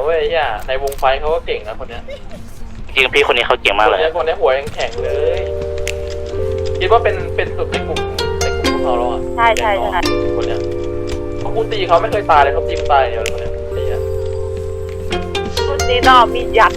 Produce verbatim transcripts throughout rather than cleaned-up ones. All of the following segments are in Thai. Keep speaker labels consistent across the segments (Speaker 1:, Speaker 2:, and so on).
Speaker 1: เว้ยย่าในวงไฟเขาก็เก่งนะคนเนี้ย
Speaker 2: จริงพี่คนนี้เขาเก่งมากเลย
Speaker 1: คนนี้หัวยังแข็งเลยคิดว่าเป็นเป็นสุดในกลุ่มในกลุ่มของเขาแล้วอ่ะ
Speaker 3: ใช่ใช่ใช่
Speaker 1: คนเนี้ยเขาคูตีเขาไม่เคยตายเลยเขาตีตายเดียวเลยคนเนี้ยตีอ่ะ
Speaker 3: คุณตีนอมียัด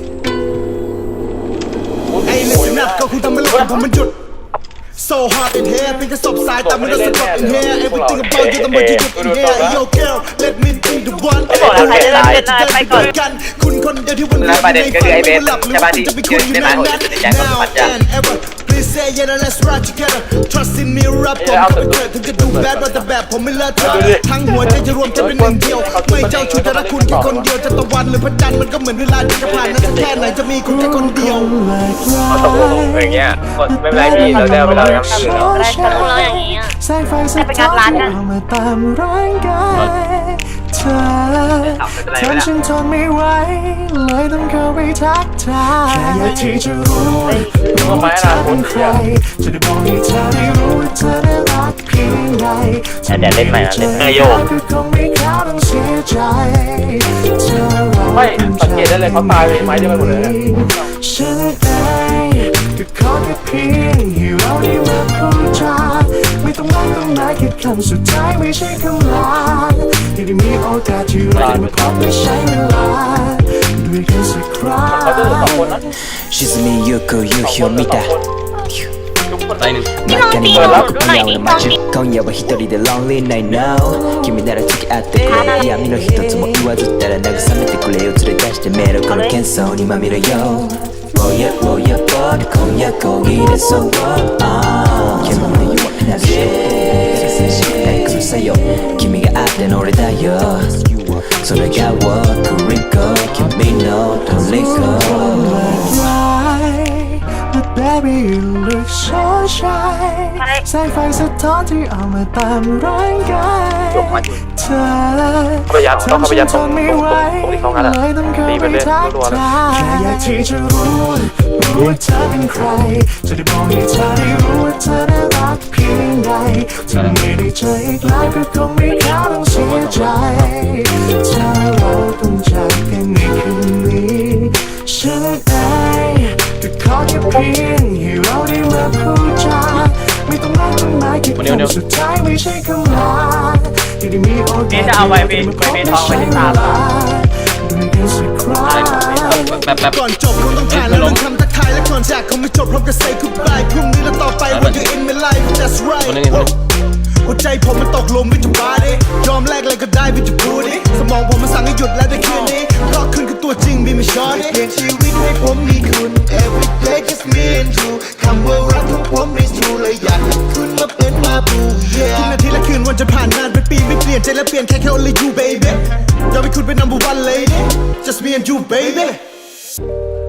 Speaker 4: ไอ้เรื่องนัดก็คุณทำให้โลกผมมันหยุด so hard in here เป็นกระสอบทรายแต่มัน don't stop in here everything about you ต้องมาหยุด in here yo girl let me be the one
Speaker 3: บอกแล้วใครจะเล่นเป็นอะไรไปก่อน
Speaker 4: กันคุณคนเดียวที่วันนี้
Speaker 5: ประเด็นก็คือไอ้เบสใช่ป่ะที่ยืนได้ไหมผมจะแจ้งความปัจจัย
Speaker 4: please say yeah let's ride together trust in me รับผมเข้าไปเถิดถึงจะดูแบดว่าแต่แบบผมไม่เลิศเธอทั้งหัวใจจะรวมจะเป็นหนึ่งเดียวไม่เจ้าชู้แต่ละคุณแค่คนเดียวจะตะวันหรือพระจันทร์มันก็เหมือนเวลาที่จะผ่านนั้นสักแค่ไหนจะมีคุณแค่คนเดียว
Speaker 5: เขาตกลงอย่างเงี้ยไม่เป็นไรพี่เราได้เวลาทำอื่นเนาะ
Speaker 3: อะไรตกลงอย่างนี้อ่ะไปไปงานร้านกัน
Speaker 6: เธอทำฉันทนไม่ไหวเลยต้องเข้าไปทักทายแค่อยากที่จะรู้รู้ว่าเธอเป็นใครจะได้บอกให้เธอได้รู้ว่าเธอได้รักเพียงใด
Speaker 2: แต่เดี๋ยวเล่นใหม่นะเล่นเออโยก
Speaker 1: ไม่สังเกตได้เลยเขาตายไปไม้เดียวไปหมดเลย
Speaker 6: ฉันเองก็ขอแค่เพียงให้เราได้มาพูดจาไม่ต้องรักต้องมาแค่คำสุดท้ายไม่ใช่คำลาที่ได้มีโอกาสที่เราได้มาพบและใช้เวลาด้วยกันสักครั้ง
Speaker 1: เขาจะเหลือสองคนนะ
Speaker 7: 沈みゆく夕日を見た
Speaker 3: พี่ลองตีหนูดูหน่อยดิลองตี
Speaker 7: 今夜は一人で Lonely Night Now 君なら付き合ってくれ闇の一つも言わずったら慰めてくれよ連れ出してメロこの喧騒にまみれよ Oh yeah oh yeah boy 今夜こぎれそう煙のようなしないくさよ君があっての俺だよそれが僕リンコ君の虜
Speaker 6: Baby you look so shy แสงไฟสะท้อนที่เอามาตามร่างกายเธอ
Speaker 1: เขาไปยัดต้องเขาไปยัดตรงตรงตรงที่เขางัดอ่ะตีไปเลยรัวๆนะ
Speaker 6: แค่อยากที่จะรู้รู้ว่าเธอเป็นใครจะได้บอกให้เธอได้รู้ว่าเธอได้รักเพียงใดถ้าไม่ได้เจออีกแล้วก็คงไม่เข้าต้องเสียใจถ้าเราต้องจากกันในคืนนี้ฉันเองก็ขอแค่เพียงให้เราได้มาพูดจาไม่ต้องรักต้องมาแค่คำสุดท้ายไม่ใช่คำลาที่ได้มีโอกาส
Speaker 5: จะเอาไว้เป็นไว้เป็นทองไว้ที่ตา
Speaker 4: ก่อนจบคงต้องผ่านแล้วต้องคำทักทายและก่อนจากคงไม่จบพร้อมกับ say goodbye พรุ่งนี้และต่อไป when you in my life that's right หัวใจผมมันตกลงไม่จุบาดิยอมแลกอะไรก็ได้ไม่จุพูดิสมองผมมันสั่งให้หยุดแล้วได้คืนนี้เพราะคุณคือตัวจริงมีไม่ช้อนเปลี่ยนชีวิตให้ผมมีคุณ every day just me and you คำว่ารักของผม is true เลยอยากให้คุณมาเป็นมาบูทุกนาทีและคืนวันจะผ่านนานเป็นปีไม่เปลี่ยนใจและเปลี่ยนแค่แค่ only you baby ยอมให้คุณเป็น number one lady just me and you baby